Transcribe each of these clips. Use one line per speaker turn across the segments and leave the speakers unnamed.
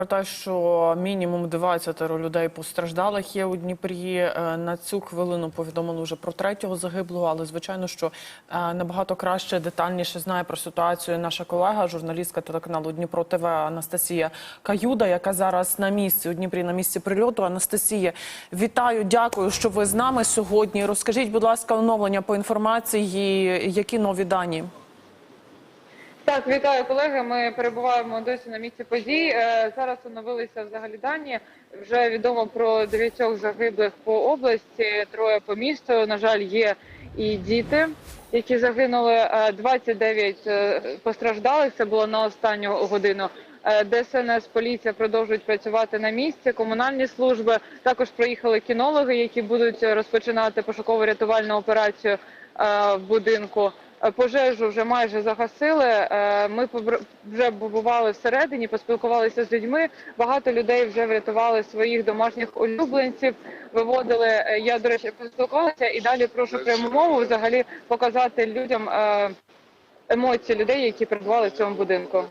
Про те, що мінімум 20 людей постраждалих є у Дніпрі. На цю хвилину повідомили вже про 3-го загиблого, але звичайно, що набагато краще, детальніше знає про ситуацію наша колега, журналістка телеканалу Дніпро ТВ Анастасія Каюда, яка зараз на місці у Дніпрі, на місці прильоту. Анастасія, вітаю, дякую, що ви з нами сьогодні. Розкажіть, будь ласка, оновлення по інформації, які нові дані?
Так, вітаю, колеги. Ми перебуваємо досі на місці подій. Зараз оновилися взагалі дані. Вже відомо про 9 загиблих по області, 3 по місту. На жаль, є і діти, які загинули. 29 постраждалих. Це було на останню годину. ДСНС, поліція продовжують працювати на місці, комунальні служби. Також приїхали кінологи, які будуть розпочинати пошуково-рятувальну операцію в будинку. Пожежу вже майже загасили, ми вже побували всередині, поспілкувалися з людьми, багато людей вже врятували своїх домашніх улюбленців, виводили, я, до речі, поспілкувалася і далі прошу пряму мову взагалі показати людям емоції людей, які перебували в цьому будинку.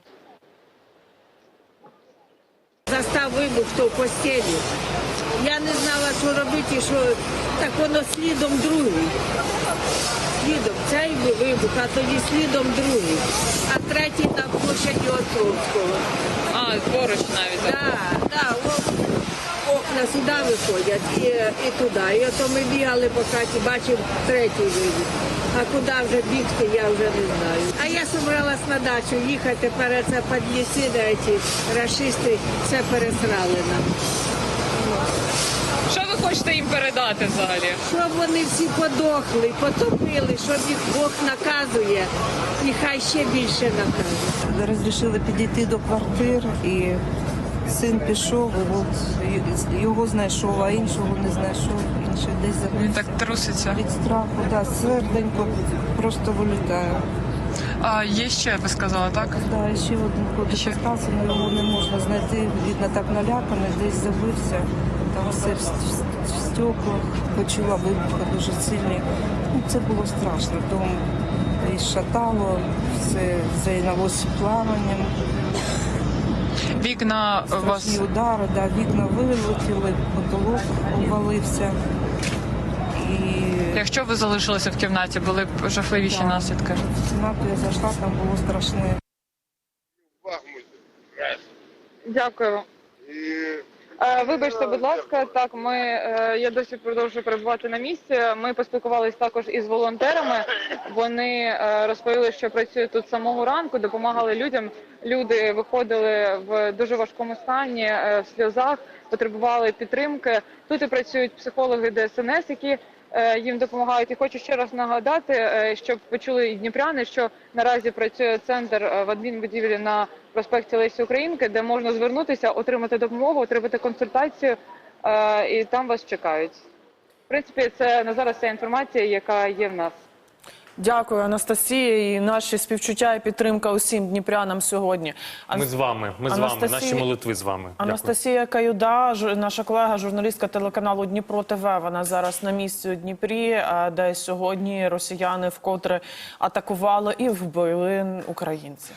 Застав вибух, хто в постелі. Я не знала, що робити, що так воно слідом другий. Слідом цей вибух, а тоді слідом другий. А третій на площаді Островського.
Поруч навіть.
Так, окна сюди виходять і туди. І ото ми бігали по хаті, бачив третій вибух. А куди вже бігти, я вже не знаю. А я зібралась на дачу їхати, тепер це підліси, ці рашисти все пересрали нам.
Що ви хочете їм передати взагалі?
Щоб вони всі подохли, потопили, щоб їх Бог наказує, і хай ще більше наказує.
Розрішили підійти до квартир, і син пішов, і от його знайшов, а іншого не знайшов, інший десь загубився.
Він так труситься.
Від страху, да, серденько просто вилітає.
А є ще, ви сказали, так?
Да, ще один хлопець залишився, але його не можна знайти, видно, так наляканий, десь забився. Там все в стеклах, почула вибухи дуже сильні. Ну, це було страшно, дом і шатало, все зайнялося пламенем.
Вікна у вас...
Страшні удари, да, вікна вилетіли, потолок обвалився. І...
Якщо ви залишилися в кімнаті, були б жахливіші наслідки?
В кімнату я зайшла, там було страшне.
Дякую. Вибачте, будь ласка, так, я досі продовжую перебувати на місці. Ми поспілкувалися також із волонтерами. Вони розповіли, що працюють тут з самого ранку, допомагали людям. Люди виходили в дуже важкому стані, в сльозах, потребували підтримки. Тут і працюють психологи ДСНС, які їм допомагають. І хочу ще раз нагадати, щоб почули і дніпряни, що наразі працює центр в адмінбудівлі на проспекті Лесі Українки, де можна звернутися, отримати допомогу, отримати консультацію, і там вас чекають. В принципі, це на зараз вся інформація, яка є в нас.
Дякую, Анастасія, і наші співчуття і підтримка усім дніпрянам сьогодні.
Ми з вами, наші молитви з вами.
Анастасія Каюда, наша колега, журналістка телеканалу Дніпро ТВ, вона зараз на місці у Дніпрі, де сьогодні росіяни вкотре атакували і вбили українців.